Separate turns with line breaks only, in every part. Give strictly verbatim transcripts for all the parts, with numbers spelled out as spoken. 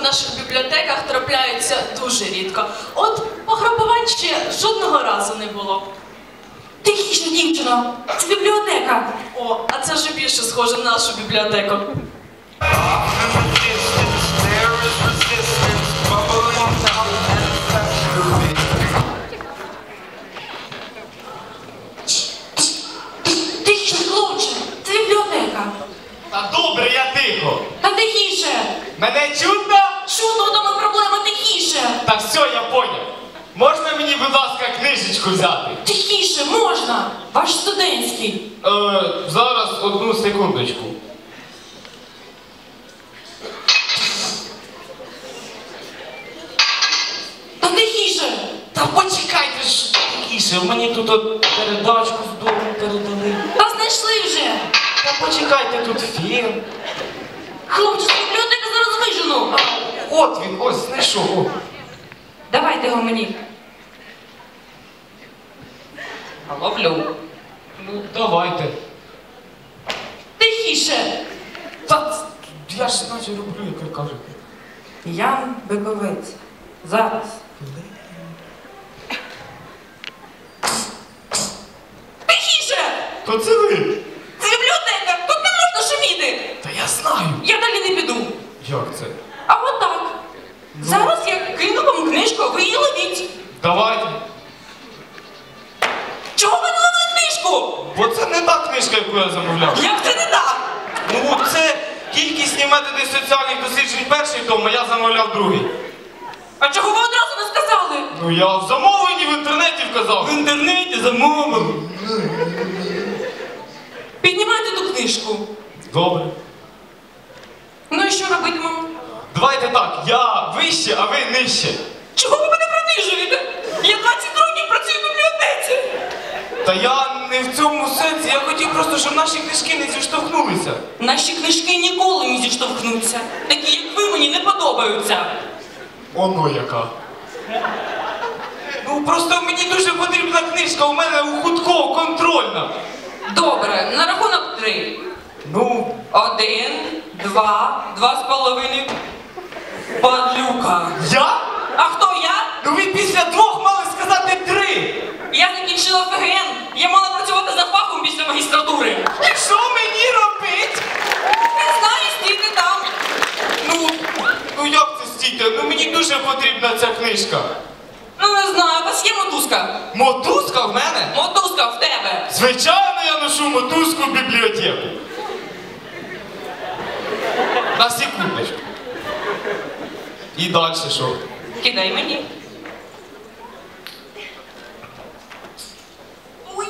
наших бібліотеках трапляються дуже рідко. От пограбувань ще жодного разу не було.
Тихіше, дівчино, це бібліотека.
О, а це вже більше схоже на нашу бібліотеку.
Тихіше, хлопче, це бібліотека.
Та добре, я тихо.
Та тихіше.
Мене чутно?
Чудно, вдома проблема, тихіше.
Та все, я поняв. Можна мені, будь ласка, книжечку взяти?
Тихіше, можна. Ваш студентський.
Е, зараз одну секундочку.
Та тихіше.
Та почекайте ж тихіше, мені тут от передачку з дому передали.
Та знайшли вже.
Та почекайте, тут фільм.
Хлопче, з бібліотеки зараз вижену.
От він, ось знайшов. О.
Давайте його мені. Ловлю.
Ну, давайте.
Тихіше.
Та я ж наче роблю, як ви кажете.
Ян Биковець. Зараз. Тихіше!
То це ви.
Це бібліотека! Тут не можна шуміти!
Та я знаю.
Я далі не піду.
Як це?
А от так. Зараз я кину вам книжку, а ви її ловіть.
Давайте.
Чого ви не ловили книжку?
Бо це не та книжка, яку я замовляв.
Як це не так?
Ну, це кількісні методи соціальних досліджень перший том, а я замовляв другий.
А чого ви одразу не сказали?
Ну, я в замовленні в інтернеті вказав. В інтернеті замовив.
Піднімайте ту книжку.
Добре.
Ну і що робитимемо?
Давайте так, я вище, а ви нижче.
Чого ви мене принижуєте? Я двадцять років працюю в бібліотеці.
Та я не в цьому сенсі, я хотів просто, щоб наші книжки не зіштовхнулися.
Наші книжки ніколи не зіштовхнуться. Такі, як ви, мені не подобаються.
Оно яка. Ну, просто мені дуже потрібна книжка, у мене у Худкова контрольна.
Добре, на рахунок три.
Ну,
Один, два, два з половиною. Падлюка.
я?
А хто я?
Ну ви після двох мали сказати три.
Я закінчила ФГН. Я мала працювати за фахом після магістратури.
І що мені робить?
Не знаю, стійте там.
Ну, ну як це стійте? Ну мені дуже потрібна ця книжка.
Ну не знаю, у вас є мотузка?
Мотузка в мене?
Мотузка в тебе.
Звичайно, я ношу мотузку в бібліотеку. На секундочку. І далі що?
Кидай мені. Ой.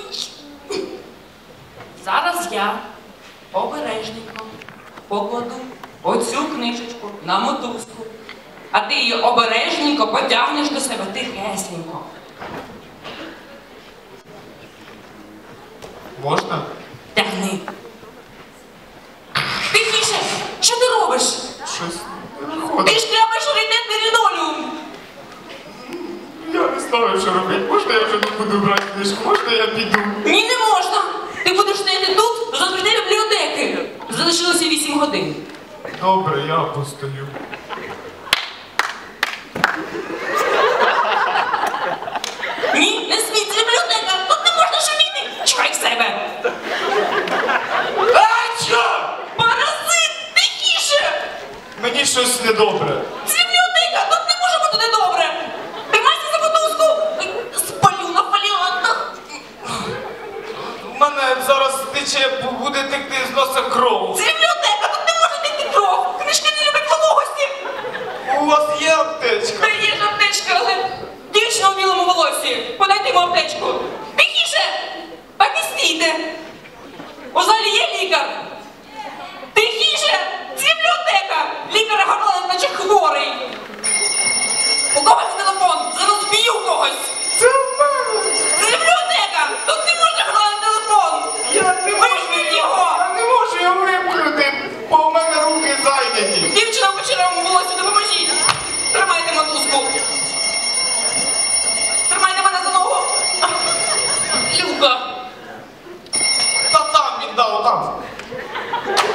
Зараз я обережненько покладу оцю книжечку на мотузку, а ти її обережненько потягнеш до себе тихесенько.
Можна?
Тягни. Тихіше! Що ти робиш?
Щось не
Ти
виходить.
шкрябаєш раритетний лінолеум.
Я не знаю, що робити. Можна я вже не буду брати книжку? Можна я піду?
Ні, не можна. Ти будеш стояти тут до закриття бібліотеки. Залишилося вісім годин.
Добре, я постою.
Ні, не смій, це бібліотека. Тут не можна шуміти. Чекай в себе.
А що?
Паразит, тихіше.
Мені щось недобре.
Це бібліотека, тут не може бути недобре. Тримайся за мотузку. Ой, спалю на фоліантах.
У мене зараз тече, буде текти з носа кров.
Це бібліотека, тут не може текти кров. Книжки не люблять вологості.
У вас є аптечка?
Та є ж аптечка, але дівчина у білому волосі. Подайте йому аптечку. Тихіше! Так і стійте. У залі є лікар. Тихіше! Це бібліотека. Лікар Гарлен, наче хворий. У когось телефон. Зараз б'ю когось.
Це в мене.
Це бібліотека. Тут не можна грати телефон.
Я не можу
Вимкніть його.
Я не можу його вимкнути, бо в мене руки зайняті.
Дівчина в кучерявому волосі, допоможіть. Тримайте мотузку. Тримайте мене за ногу. Люка.
Та там віддав, там.